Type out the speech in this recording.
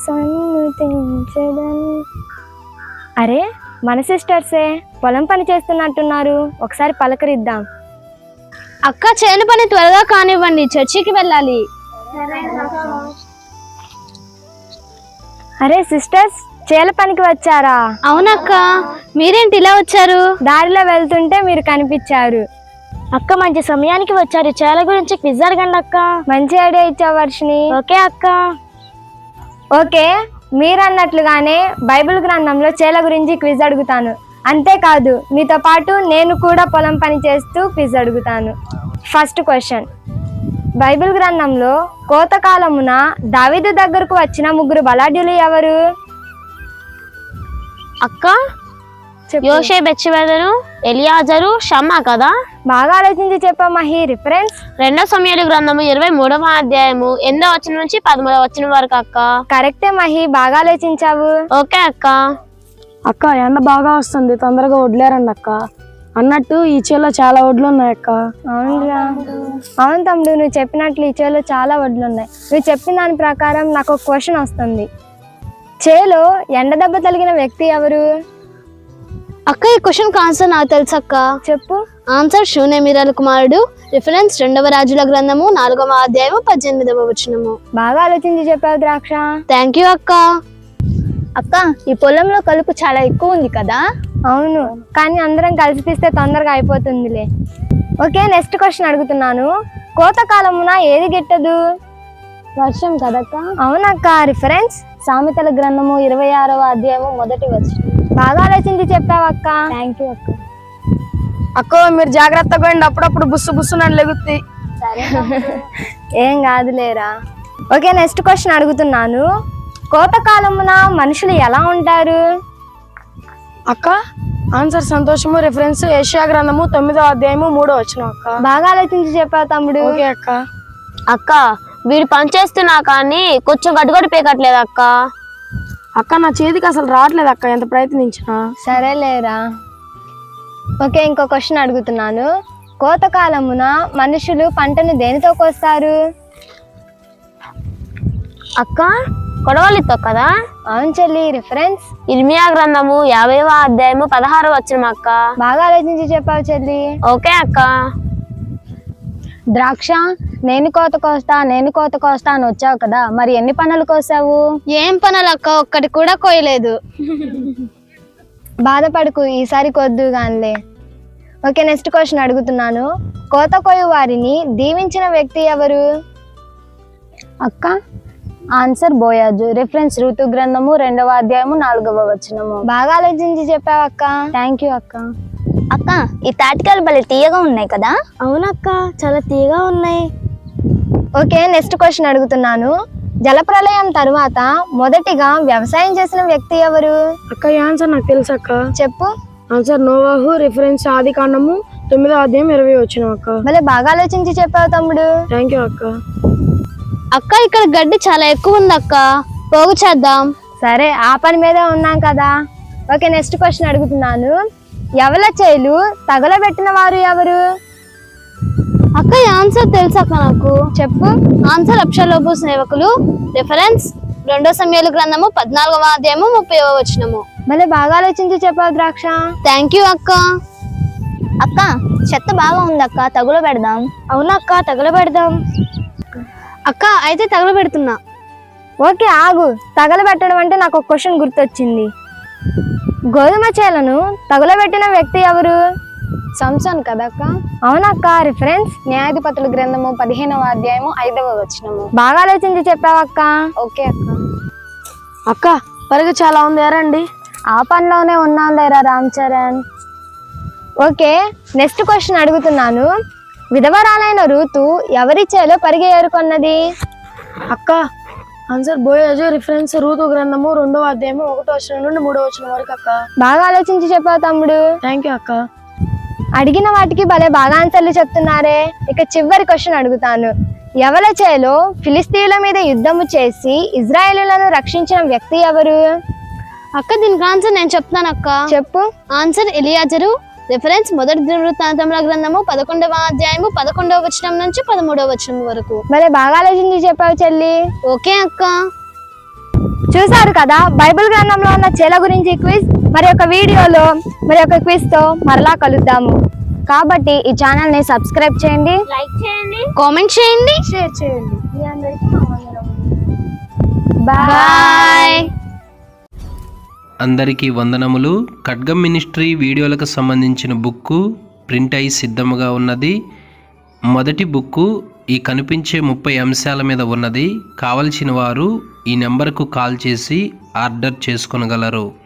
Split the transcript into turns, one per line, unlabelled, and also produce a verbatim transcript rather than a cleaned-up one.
సన్నుతించెదన్. అరే మన సిస్టర్సే పొలం పని చేస్తున్నట్టున్నారు, ఒకసారి పలకరిద్దాం.
అక్క చేను పని త్వరగా కానివ్వండి, చర్చికి వెళ్ళాలి.
అరే సిస్టర్స్ చేల పనికి వచ్చారా?
అవునక్క, మీరేంటి ఇలా వచ్చారు?
దారిలో వెళ్తుంటే మీరు కనిపించారు.
అక్క మంచి సమయానికి వచ్చారు, చేల గురించి క్విజ్ అడగండి అక్క.
మంచి ఐడియా ఇచ్చావు వర్షిని.
ఓకే అక్క.
ఓకే, మీరన్నట్లుగానే బైబిల్ గ్రంథంలో చేల గురించి క్విజ్ అడుగుతాను. అంతేకాదు మీతో పాటు నేను కూడా పొలం పని చేస్తూ క్విజ్ అడుగుతాను. ఫస్ట్ క్వశ్చన్, బైబిల్ గ్రంథంలో కోతకాలమున దావీదు దగ్గరకు వచ్చిన ముగ్గురు బలాఢ్యులు ఎవరు?
అక్క యోషే, బెత్షెబెను, ఎలియాజరు, షమ్మా కదా?
బాగా ఆలోచించి చెప్పా మహి. రిఫరెన్స్
రెండో సమయాల గ్రంథము ఇరవై మూడవ అధ్యాయము ఎనిమిదో వచనం నుంచి పదమూడవ వచనం వరకు అక్క.
కరెక్టే మహి, బాగా ఆలోచించావు.
ఓకే అక్క.
అక్క ఎండ బాగా వస్తుంది, తొందరగా వడ్లేరండి అక్క. అన్నట్టు ఈ చేలో చాలా వడ్లు ఉన్నాయి అక్క.
అవునురా, అవును తమ్ముడు, నువ్వు చెప్పినట్లు ఈ చేలో చాలా వడ్లు ఉన్నాయి. నువ్వు చెప్పిన దాని ప్రకారం నాకు ఒక క్వశ్చన్ వస్తుంది. చేలో ఎండ దెబ్బ తగిలిన వ్యక్తి ఎవరు?
అక్క ఈ క్వశ్చన్ ఆన్సర్ నాకు తెలుసు అక్క.
చెప్పు.
ఆన్సర్ షూనేమిరాల కుమారుడు. రిఫరెన్స్ రెండవ రాజుల గ్రంథము నాలుగవ అధ్యాయము పద్దెనిమిదవ వచనము.
బాగా ఆలోచించి చెప్పావు ద్రాక్ష.
థ్యాంక్ యూ అక్క.
అక్క ఈ పొలంలో కలుపు చాలా ఎక్కువ ఉంది కదా? అవును, కానీ అందరం కలిసి తీస్తే తొందరగా అయిపోతుందిలే. ఓకే, నెక్స్ట్ క్వశ్చన్ అడుగుతున్నాను. కోతకాలమున ఏది గిట్టదు?
వర్షం కదక్క?
అవునక్క. రిఫరెన్స్
సామెతల గ్రంథము ఇరవై ఆరవ అధ్యాయము మొదటి వచనం.
బాగా ఆలోచించి చెప్పావక్క.
థ్యాంక్ యూ అక్క.
అక్క మీరు జాగ్రత్తగా ఉండి, అప్పుడప్పుడు బుస్సు బుస్సు నన్ను లెగుద్ది.
ఏం కాదులేరా. ఓకే, నెక్స్ట్ క్వశ్చన్ అడుగుతున్నాను. కోతకాలమున మనుషులు ఎలా ఉంటారు?
అక్క ఆన్సర్ సంతోషము. రిఫరెన్స్ యెషయా గ్రంథము తొమ్మిదో అధ్యాయము మూడో వచనం అక్క.
బాగా ఆలోచించి చెప్పావు తమ్ముడు.
ఓకే అక్క.
అక్క వీడు పని చేస్తున్నా కానీ కొంచెం గడ్డుగడ్డు పేకట్లేదు అక్క.
అక్క నా చేతికి అసలు రావట్లేదు అక్క, ఎంత ప్రయత్నించినా.
సరేలేరా. ఓకే, ఇంకో క్వశ్చన్ అడుగుతున్నాను. కోతకాలమున మనుషులు పంటను దేనితో కోస్తారు?
అక్క కొడవలితో కదా?
అవును చెల్లి. రిఫరెన్స్
ఇర్మియా గ్రంథము యాభైవ అధ్యాయము పదహారవ వచనం అక్క.
బాగా ఆలోచించి చెప్పావు చెల్లి.
ఓకే అక్క.
ద్రాక్ష, నేను కోత కోస్తా నేను కోత కోస్తా అని వచ్చావు కదా, మరి ఎన్ని పనులు కోసావు?
ఏం పనులు అక్క, ఒక్కటి కూడా కోయలేదు.
బాధపడుకు, ఈసారి కొద్దు గానిలే. ఓకే, నెక్స్ట్ క్వశ్చన్ అడుగుతున్నాను. కోత కోయు వారిని దీవించిన వ్యక్తి ఎవరు?
అక్క ఆన్సర్ బోయాజు. రిఫరెన్స్ ఋతు గ్రంథము రెండవ అధ్యాయము నాలుగవ వచనము.
బాగా ఆలోచించి చెప్పావు అక్క.
థ్యాంక్ యూ అక్క.
అక్క ఈ తాటికాయలు భలే తీయగా ఉన్నాయి కదా?
అవునక్క, చాలా తీయగా ఉన్నాయి.
ఓకే, నెక్స్ట్ క్వశ్చన్ అడుగుతున్నాను. జలప్రలయం తరువాత మొదటిగా వ్యవసాయం చేసిన వ్యక్తి ఎవరు?
అక్క ఈ ఆన్సర్ నాకు తెలుసు అక్క.
చెప్పు.
ఆన్సర్ నోవాహు. రిఫరెన్స్ ఆది కాండము తొమ్మిదో అధ్యాయం ఇరవై వచనం అక్క.
భలే బాగా ఆలోచించి చెప్పావు తమ్ముడు.
థ్యాంక్ యూ అక్క.
అక్క ఇక్కడ గడ్డి చాలా ఎక్కువ ఉంది అక్క, పోగు చేద్దాం.
సరే, ఆ పని మీదే ఉన్నాం కదా. ఓకే, నెక్స్ట్ క్వశ్చన్ అడుగుతున్నాను. ఎవల చేలు తగలబెట్టిన వారు ఎవరు?
అక్క ఈ ఆన్సర్ తెలుసు అక్క నాకు.
చెప్పు.
ఆన్సర్ అబ్షాలోము సేవకులు. రిఫరెన్స్ రెండో సమయాల గ్రంథము పద్నాలుగవ అధ్యాయము ముప్పైవ వచనము.
భలే బాగా ఆలోచించి చెప్పావు ద్రాక్ష.
థ్యాంక్ యూ అక్క.
అక్క చెత్త బాగా ఉంది అక్క, తగుల పెడదాం.
అవునక్క, తగలబెడదాం. అక్క అయితే తగలబెడుతున్నా.
ఓకే ఆగు. తగలబెట్టడం అంటే నాకు ఒక క్వశ్చన్ గుర్తొచ్చింది. గోధుమ చేలను తగులబెట్టిన వ్యక్తి ఎవరు?
సంసోన్ కదక్క?
అవునక్క. రిఫరెన్స్
న్యాయాధిపతుల గ్రంథము పదిహేనవ అధ్యాయము ఐదవ వచనము.
బాగా ఆలోచించి చెప్పావక్క.
ఓకే అక్క.
అక్క పరిగె చాలా ఉంది, ఎరండి.
ఆ పనిలోనే ఉన్నాం లేరా Ram Charan. Okay, next question అడుగుతున్నాను. విధవరాలైన రూతు ఎవరి చేలో పరిగె ఏరుకొన్నది?
అక్క ఆన్సర్ బోయాజు. రిఫరెన్స్ ఋతు గ్రంథము రెండవ అధ్యాయము ఒకటో వచనం నుండి మూడో వచనం వరకు అక్క.
బాగా ఆలోచించి చెప్పావు తమ్ముడు.
థ్యాంక్ యూ అక్క.
అడిగిన వాటికి భలే బాగా ఆన్సర్లు చెప్తున్నారే. ఇక చివరి క్వశ్చన్ అడుగుతాను. ఎవల చేలో ఫిలిస్తీన్ల మీద యుద్ధము చేసి ఇజ్రాయేలులను రక్షించిన వ్యక్తి ఎవరు?
అక్క దీనికి ఆన్సర్ నేను చెప్తాను అక్క.
చెప్పు.
ఆన్సర్ ఎలియాజరు. రిఫరెన్స్ మొదటి దినవృత్తాంతముల గ్రంథము పదకొండవ అధ్యాయము పదకొండవ వచనం నుంచి పదమూడవ వచనం వరకు.
భలే బాగా ఆలోచించి చెప్పావు చెల్లి.
ఓకే అక్క.
చూసారు కదా బైబిల్ గ్రంథంలో ఉన్న చేల గురించి క్విజ్. మరి ఒక వీడియోలో మరి ఒక క్విజ్ తో మరలా కలుద్దాము. కాబట్టి ఈ ఛానల్ ని సబ్స్క్రైబ్ చేయండి,
లైక్ చేయండి, కామెంట్ చేయండి,
షేర్ చేయండి.
మీ అందరికీ మా వందనములు.
బాయ్.
అందరికీ వందనములు. ఖడ్గం మినిస్ట్రీ వీడియోలకు సంబంధించిన బుక్కు ప్రింట్ అయి సిద్ధముగా ఉన్నది. మొదటి బుక్కు ఈ కనిపించే ముప్పై అంశాల మీద ఉన్నది. కావలసిన వారు ఈ నెంబర్కు కాల్ చేసి ఆర్డర్ చేసుకొనగలరు.